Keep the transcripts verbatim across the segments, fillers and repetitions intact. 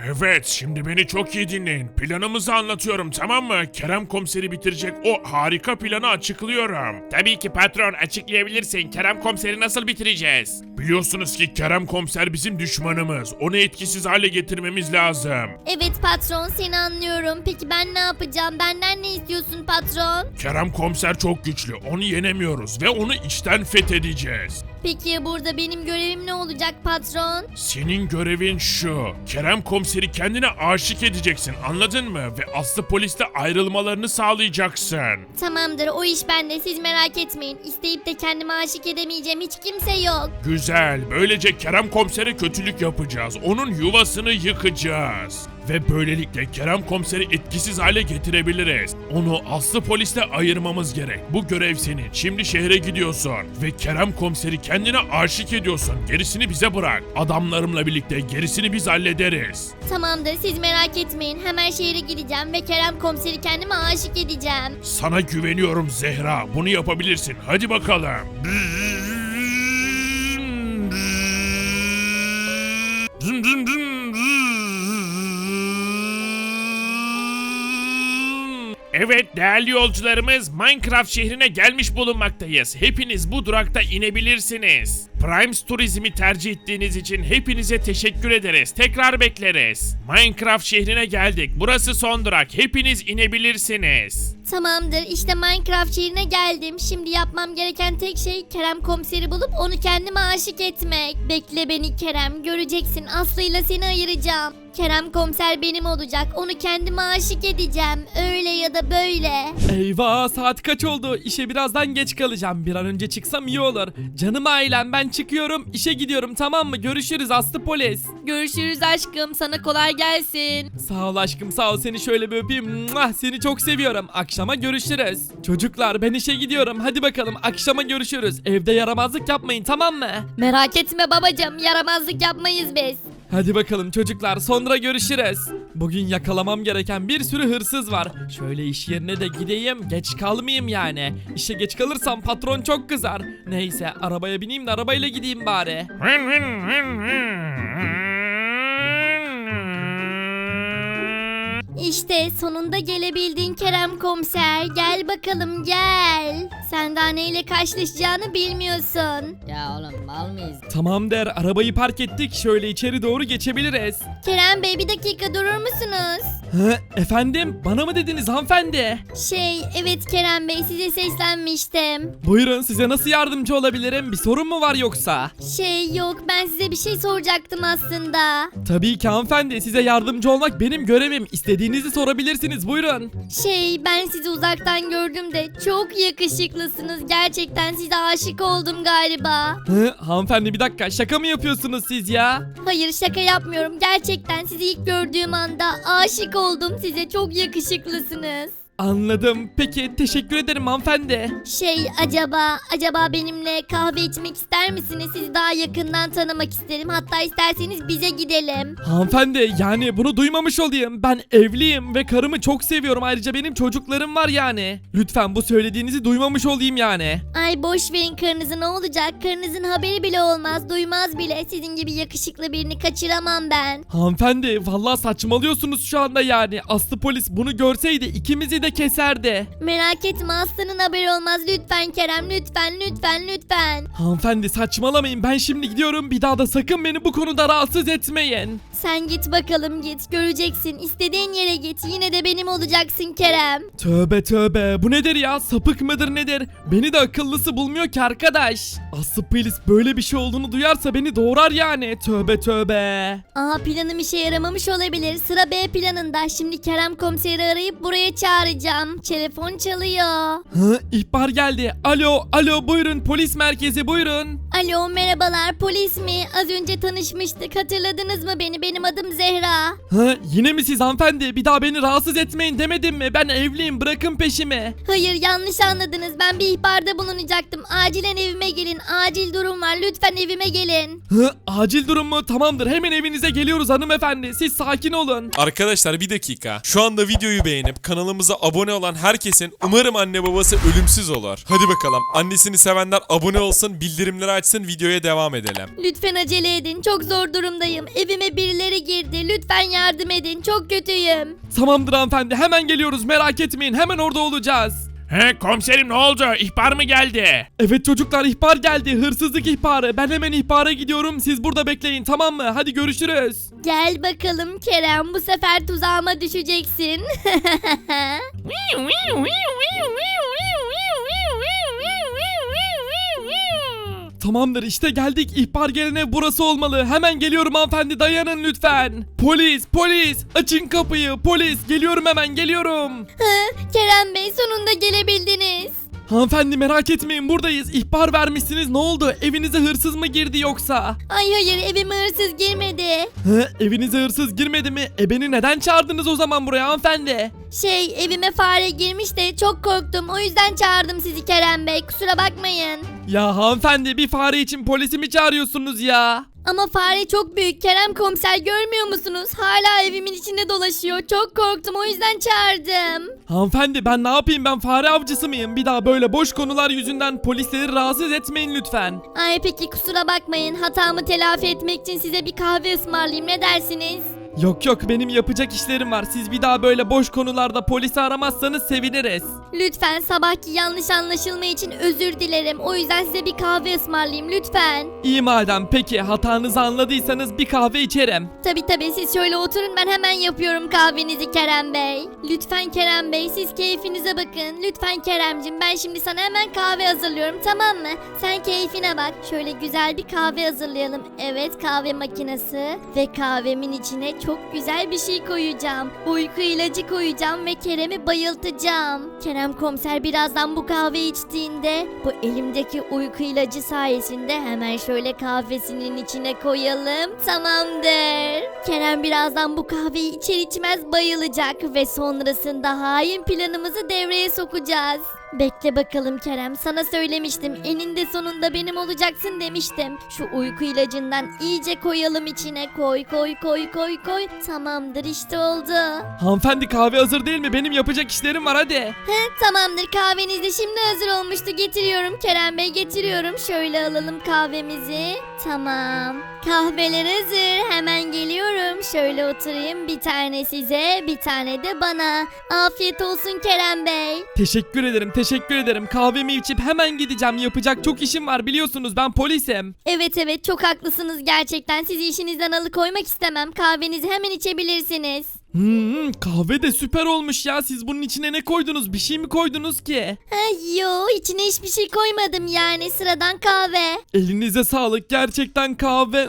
Evet, şimdi beni çok iyi dinleyin. Planımızı anlatıyorum, tamam mı? Kerem komiseri bitirecek o harika planı açıklıyorum. Tabii ki patron, açıklayabilirsin. Kerem komiseri nasıl bitireceğiz? Biliyorsunuz ki Kerem komiser bizim düşmanımız. Onu etkisiz hale getirmemiz lazım. Evet patron, seni anlıyorum. Peki ben ne yapacağım? Benden ne istiyorsun patron? Kerem komiser çok güçlü. Onu yenemiyoruz ve onu içten fethedeceğiz. Peki burada benim görevim ne olacak patron? Senin görevin şu. Kerem komiseri kendine aşık edeceksin, anladın mı? Ve Aslı polisle ayrılmalarını sağlayacaksın. Tamamdır, o iş bende, siz merak etmeyin. İsteyip de kendime aşık edemeyeceğim hiç kimse yok. Güzel. Böylece Kerem komisere kötülük yapacağız. Onun yuvasını yıkacağız. Ve böylelikle Kerem komiseri etkisiz hale getirebiliriz. Onu Aslı polisle ayırmamız gerek. Bu görev senin. Şimdi şehre gidiyorsun. Ve Kerem komiseri kendine aşık ediyorsun. Gerisini bize bırak. Adamlarımla birlikte gerisini biz hallederiz. Tamamdır, siz merak etmeyin. Hemen şehre gideceğim ve Kerem komiseri kendime aşık edeceğim. Sana güveniyorum Zehra. Bunu yapabilirsin. Hadi bakalım. Evet değerli yolcularımız, Minecraft şehrine gelmiş bulunmaktayız. Hepiniz bu durakta inebilirsiniz. Primes Turizm'i tercih ettiğiniz için hepinize teşekkür ederiz. Tekrar bekleriz. Minecraft şehrine geldik. Burası son durak. Hepiniz inebilirsiniz. Tamamdır, işte Minecraft şehrine geldim. Şimdi yapmam gereken tek şey Kerem komiseri bulup onu kendime aşık etmek. Bekle beni Kerem, göreceksin, Aslı'yla seni ayıracağım. Kerem komiser benim olacak, onu kendime aşık edeceğim. Öyle ya da böyle. Eyvah, saat kaç oldu? İşe birazdan geç kalacağım. Bir an önce çıksam iyi olur. Canım ailem, ben çıkıyorum. İşe gidiyorum, tamam mı? Görüşürüz Aslı polis. Görüşürüz aşkım, sana kolay gelsin. Sağ ol aşkım, sağ ol, seni şöyle bir öpeyim. Muah, seni çok seviyorum. Akşama görüşürüz. Çocuklar, ben işe gidiyorum. Hadi bakalım, akşama görüşürüz. Evde yaramazlık yapmayın, tamam mı? Merak etme babacığım, yaramazlık yapmayız biz. Hadi bakalım çocuklar, sonra görüşürüz. Bugün yakalamam gereken bir sürü hırsız var. Şöyle iş yerine de gideyim, geç kalmayayım yani. İşe geç kalırsam patron çok kızar. Neyse, arabaya bineyim de arabayla gideyim bari. İşte sonunda gelebildin Kerem komiser. Gel bakalım gel. Sen daha neyle karşılaşacağını bilmiyorsun. Ya oğlum mal mıyız? Tamam der, arabayı park ettik. Şöyle içeri doğru geçebiliriz. Kerem Bey bir dakika durur musunuz? Hı, efendim? Bana mı dediniz hanımefendi? Şey evet Kerem Bey, size seslenmiştim. Buyurun, size nasıl yardımcı olabilirim? Bir sorun mu var yoksa? Şey yok, ben size bir şey soracaktım aslında. Tabii ki hanımefendi, size yardımcı olmak benim görevim. İstediğinizi sorabilirsiniz, buyurun. Şey ben sizi uzaktan gördüm de çok yakışıklısınız. Gerçekten size aşık oldum galiba. Hı, hanımefendi bir dakika, şaka mı yapıyorsunuz siz ya? Hayır şaka yapmıyorum. Gerçekten sizi ilk gördüğüm anda aşık oldum size. Çok yakışıklısınız. Anladım. Peki, teşekkür ederim hanımefendi. Şey acaba acaba benimle kahve içmek ister misiniz? Sizi daha yakından tanımak isterim. Hatta isterseniz bize gidelim. Hanımefendi, yani bunu duymamış olayım. Ben evliyim ve karımı çok seviyorum. Ayrıca benim çocuklarım var yani. Lütfen bu söylediğinizi duymamış olayım yani. Ay boş verin karınızı, ne olacak? Karınızın haberi bile olmaz. Duymaz bile. Sizin gibi yakışıklı birini kaçıramam ben. Hanımefendi, vallahi saçmalıyorsunuz şu anda yani. Aslı polis bunu görseydi ikimizi de keserdi. Merak etme, Aslı'nın haberi olmaz. Lütfen Kerem, lütfen lütfen lütfen. Hanımefendi saçmalamayın, ben şimdi gidiyorum. Bir daha da sakın beni bu konuda rahatsız etmeyin. Sen git bakalım git. Göreceksin. İstediğin yere git. Yine de benim olacaksın Kerem. Tövbe tövbe, bu nedir ya, sapık mıdır nedir? Beni de akıllısı bulmuyor ki arkadaş. Aslı polis böyle bir şey olduğunu duyarsa beni doğrar yani. Tövbe tövbe. Aa, planım işe yaramamış olabilir. Sıra B planında. Şimdi Kerem komiseri arayıp buraya çağıracağım. Telefon çalıyor. Hı, ihbar geldi. Alo alo, buyurun polis merkezi, buyurun. Alo merhabalar, polis mi? Az önce tanışmıştık. Hatırladınız mı beni? Benim adım Zehra. Hı, yine mi siz hanımefendi? Bir daha beni rahatsız etmeyin demedim mi? Ben evliyim, bırakın peşimi. Hayır yanlış anladınız. Ben bir ihbarda bulunacaktım. Acilen evime gelin. Acil durum var. Lütfen evime gelin. Hı, acil durum mu? Tamamdır, hemen evinize geliyoruz hanımefendi. Siz sakin olun. Arkadaşlar bir dakika. Şu anda videoyu beğenip kanalımıza abone abone olan herkesin umarım anne babası ölümsüz olur. Hadi bakalım annesini sevenler abone olsun, bildirimleri açsın, videoya devam edelim. Lütfen acele edin. Çok zor durumdayım. Evime birileri girdi. Lütfen yardım edin. Çok kötüyüm. Tamamdır hanımefendi, hemen geliyoruz, merak etmeyin, hemen orada olacağız. He komiserim, ne oldu? İhbar mı geldi? Evet çocuklar, ihbar geldi, hırsızlık ihbarı. Ben hemen ihbara gidiyorum, siz burada bekleyin, tamam mı? Hadi görüşürüz. Gel bakalım Kerem. Bu sefer tuzağıma düşeceksin. Tamamdır, işte geldik, ihbar gelene burası olmalı. Hemen geliyorum hanımefendi, dayanın lütfen. Polis, polis, açın kapıyı, polis, geliyorum, hemen geliyorum. Kerem Bey, sonunda gelebildiniz. Hanımefendi merak etmeyin, buradayız. İhbar vermişsiniz, ne oldu? Evinize hırsız mı girdi yoksa? Ay hayır, evime hırsız girmedi. Hı, evinize hırsız girmedi mi? E beni neden çağırdınız o zaman buraya hanımefendi? Şey, evime fare girmiş de çok korktum. O yüzden çağırdım sizi Kerem Bey. Kusura bakmayın. Ya hanımefendi, bir fare için polisi mi çağırıyorsunuz ya? Ama fare çok büyük Kerem komiser, görmüyor musunuz? Hala evimin içinde dolaşıyor. Çok korktum, o yüzden çağırdım. Hanımefendi ben ne yapayım, ben fare avcısı mıyım? Bir daha böyle boş konular yüzünden polisleri rahatsız etmeyin lütfen. Ay peki, kusura bakmayın. Hatamı telafi etmek için size bir kahve ısmarlayayım, ne dersiniz? Yok yok, benim yapacak işlerim var. Siz bir daha böyle boş konularda polisi aramazsanız seviniriz. Lütfen, sabahki yanlış anlaşılma için özür dilerim. O yüzden size bir kahve ısmarlayayım lütfen. İyi madem, peki hatanızı anladıysanız bir kahve içerim. Tabi tabi, siz şöyle oturun, ben hemen yapıyorum kahvenizi Kerem Bey. Lütfen Kerem Bey, siz keyfinize bakın. Lütfen Keremcim, ben şimdi sana hemen kahve hazırlıyorum, tamam mı? Sen keyfine bak. Şöyle güzel bir kahve hazırlayalım. Evet, kahve makinesi. Ve kahvemin içine çok güzel bir şey koyacağım. Uyku ilacı koyacağım ve Kerem'i bayıltacağım. Kerem komiser birazdan bu kahve içtiğinde bu elimdeki uyku ilacı sayesinde hemen şöyle kahvesinin içine koyalım. Tamamdır. Kerem birazdan bu kahveyi içer içmez bayılacak ve sonrasında hain planımızı devreye sokacağız. Bekle bakalım Kerem, sana söylemiştim, eninde sonunda benim olacaksın demiştim. Şu uyku ilacından iyice koyalım içine, koy koy koy koy koy. Tamamdır, işte oldu. Hanımefendi kahve hazır değil mi? Benim yapacak işlerim var, hadi. He, tamamdır, kahveniz de şimdi hazır olmuştu, getiriyorum Kerem Bey, getiriyorum. Şöyle alalım kahvemizi. Tamam, kahveler hazır, hemen geliyorum. Şöyle oturayım, bir tane size, bir tane de bana. Afiyet olsun Kerem Bey. Teşekkür ederim, teşekkür ederim. Kahvemi içip hemen gideceğim. Yapacak çok işim var, biliyorsunuz ben polisim. Evet evet, çok haklısınız gerçekten. Sizi işinizden alıkoymak istemem. Kahvenizi hemen içebilirsiniz. Hmm, kahve de süper olmuş ya. Siz bunun içine ne koydunuz? Bir şey mi koydunuz ki? Ha, yo, içine hiçbir şey koymadım, yani sıradan kahve. Elinize sağlık. Gerçekten kahve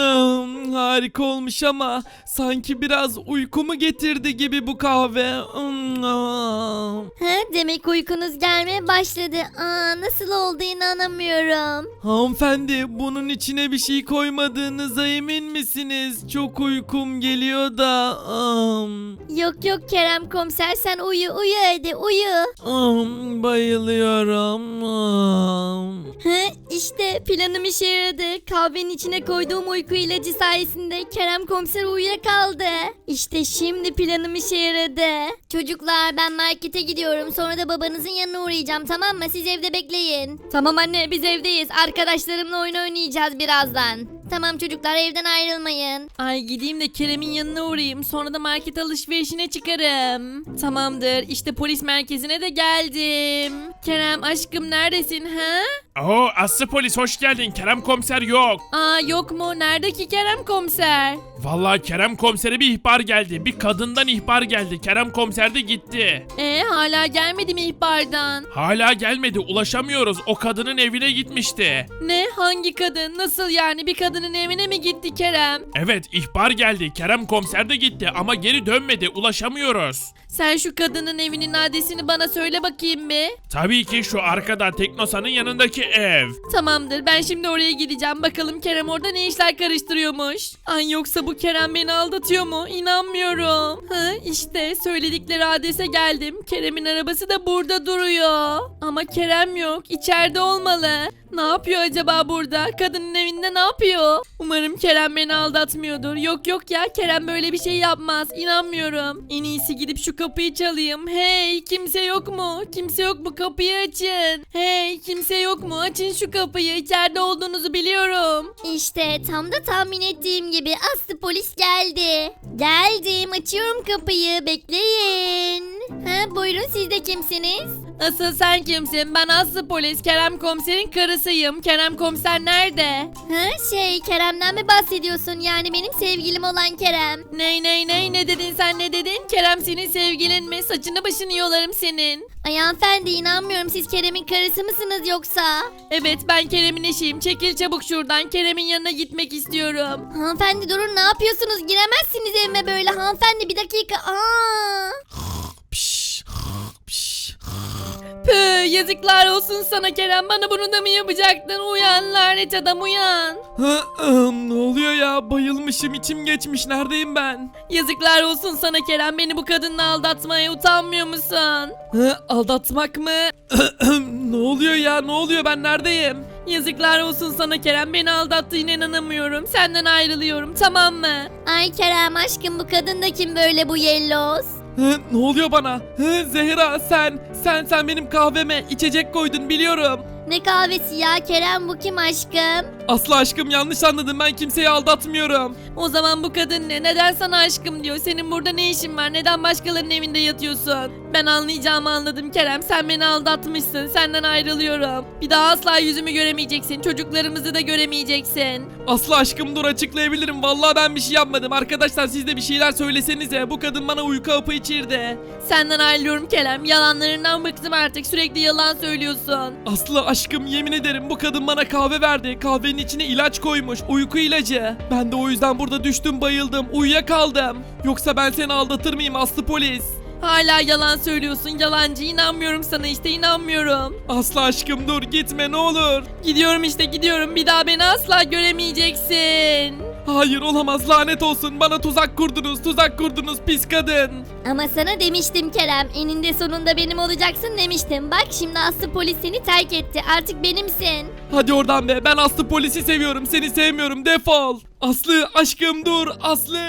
hmm, harika olmuş ama sanki biraz uykumu getirdi gibi bu kahve. Hmm. Ha, demek uykunuz gelmeye başladı. Aa, nasıl oldu, inanamıyorum. Hanımefendi, bunun içine bir şey koymadığınıza emin misiniz? Çok uykum geliyor da. Am, Yok yok Kerem komiser, sen uyu uyu hadi uyu. am, bayılıyorum. Am. Ha, işte planım işe yaradı. Kahvenin içine koyduğum uyku ilacı sayesinde Kerem komiser uyuyakaldı. İşte şimdi planım işe yaradı. Çocuklar, ben markete gidiyorum. Sonra da babanızın yanına uğrayacağım, tamam mı? Siz evde bekleyin. Tamam anne, biz evdeyiz. Arkadaşlarımla oyun oynayacağız birazdan. Tamam çocuklar, evden ayrılmayın. Ay gideyim de Kerem'in yanına uğrayayım. Sonra da market alışverişine çıkarım. Tamamdır. İşte polis merkezine de geldim. Kerem aşkım, neredesin ha? Oo, Aslı polis, hoş geldin. Kerem komiser yok. Aa, yok mu? Nerede ki Kerem komiser? Vallahi Kerem komisere bir ihbar geldi. Bir kadından ihbar geldi. Kerem komiser de gitti. Ee, hala gelmedi mi ihbardan? Hala gelmedi. Ulaşamıyoruz. O kadının evine gitmişti. Ne? Hangi kadın? Nasıl yani? Bir kadının evine mi gitti Kerem? Evet, ihbar geldi. Kerem komiser de gitti ama geri dönmedi. Ulaşamıyoruz. Sen şu kadının evinin adresini bana söyle bakayım bir. Tabii ki şu arkada Teknosa'nın yanındaki ev. Tamamdır, ben şimdi oraya gideceğim. Bakalım Kerem orada ne işler karıştırıyormuş. Ay, yoksa bu Kerem beni aldatıyor mu? İnanmıyorum. Ha, işte söyledikleri adrese geldim. Kerem'in arabası da burada duruyor. Ama Kerem yok. İçeride olmalı. Ne yapıyor acaba burada? Kadının evinde ne yapıyor? Umarım Kerem beni aldatmıyordur. Yok yok ya, Kerem böyle bir şey yapmaz. İnanmıyorum. En iyisi gidip şu kapıyı çalayım. Hey, kimse yok mu? Kimse yok mu? Kapıyı açın. Hey, kimse yok mu? Açın şu kapıyı. İçeride olduğunuzu biliyorum. İşte tam da tahmin ettiğim gibi Aslı polis geldi. Geldim, açıyorum kapıyı, bekleyin. Ha, buyurun, siz de kimsiniz? Asıl sen kimsin? Ben Aslı polis, Kerem komiserin karısıyım. Kerem komiser nerede? Ha, şey, Kerem'den mi bahsediyorsun? Yani benim sevgilim olan Kerem. Ney ney ney ne dedin sen ne dedin? Kerem senin sevgilin mi? Saçını başını yolarım senin. Ay hanımefendi, inanmıyorum, siz Kerem'in karısı mısınız yoksa? Evet, ben Kerem'in eşiyim. Çekil çabuk şuradan. Kerem'in yanına gitmek istiyorum. Hanımefendi durun, ne yapıyorsunuz? Giremezsiniz evime böyle. Hanımefendi bir dakika. Aa! Püh, yazıklar olsun sana Kerem. Bana bunu da mı yapacaktın? Uyan lanet adam, uyan. Hı, ım, ne oluyor ya? Bayılmışım, içim geçmiş. Neredeyim ben? Yazıklar olsun sana Kerem. Beni bu kadınla aldatmaya utanmıyor musun? Hı, aldatmak mı? Ne oluyor ya? Ne oluyor? Ben neredeyim? Yazıklar olsun sana Kerem. Beni aldattığına inanamıyorum. Senden ayrılıyorum, tamam mı? Ay Kerem aşkım, bu kadın da kim böyle, bu yelloz? Hı, ne oluyor bana? Hı, Zehra sen, sen sen benim kahveme içecek koydun biliyorum. Ne kahvesi ya Kerem, bu kim aşkım? Aslı aşkım, yanlış anladın, ben kimseyi aldatmıyorum. O zaman bu kadın ne? Neden sana aşkım diyor? Senin burada ne işin var? Neden başkalarının evinde yatıyorsun? Ben anlayacağımı anladım Kerem. Sen beni aldatmışsın. Senden ayrılıyorum. Bir daha asla yüzümü göremeyeceksin. Çocuklarımızı da göremeyeceksin. Aslı aşkım dur, açıklayabilirim. Vallahi ben bir şey yapmadım. Arkadaşlar siz de bir şeyler söylesenize. Bu kadın bana uyku hapı içirdi. Senden ayrılıyorum Kerem. Yalanlarından bıktım artık. Sürekli yalan söylüyorsun. Aslı aşkım, yemin ederim bu kadın bana kahve verdi. Kahvenin içine ilaç koymuş. Uyku ilacı. Ben de o yüzden burada düştüm, bayıldım. Uyuyakaldım. Yoksa ben seni aldatır mıyım Aslı polis? Hala yalan söylüyorsun. Yalancı. İnanmıyorum sana işte, inanmıyorum. Aslı aşkım dur, gitme ne olur. Gidiyorum işte, gidiyorum. Bir daha beni asla göremeyeceksin. Hayır, olamaz, lanet olsun. Bana tuzak kurdunuz, tuzak kurdunuz pis kadın. Ama sana demiştim Kerem, eninde sonunda benim olacaksın demiştim. Bak şimdi Aslı polis seni terk etti, artık benimsin. Hadi oradan be, ben Aslı polisi seviyorum, seni sevmiyorum, defol. Aslı aşkım dur, Aslı.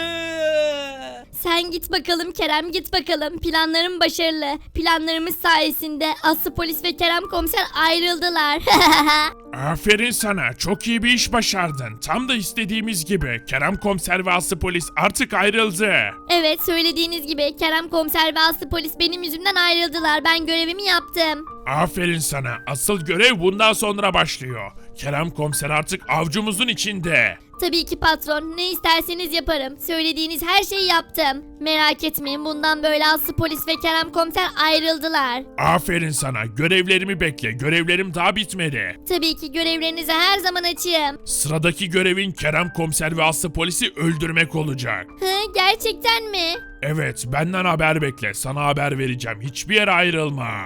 Sen git bakalım Kerem, git bakalım. Planlarım başarılı. Planlarımız sayesinde Aslı polis ve Kerem komiser ayrıldılar. Aferin sana, çok iyi bir iş başardın. Tam da istediğimiz gibi. Kerem komiser ve Aslı polis artık ayrıldı. Evet, söylediğiniz gibi Kerem komiser ve Aslı polis benim yüzümden ayrıldılar. Ben görevimi yaptım. Aferin sana, asıl görev bundan sonra başlıyor. Kerem komiser artık avcumuzun içinde. Tabii ki patron, ne isterseniz yaparım. Söylediğiniz her şeyi yaptım. Merak etmeyin, bundan böyle Aslı polis ve Kerem komiser ayrıldılar. Aferin sana, görevlerimi bekle. Görevlerim daha bitmedi. Tabii ki görevlerinize her zaman açığım. Sıradaki görevin Kerem komiser ve Aslı polisi öldürmek olacak. Hı, gerçekten mi? Evet, benden haber bekle. Sana haber vereceğim. Hiçbir yere ayrılma.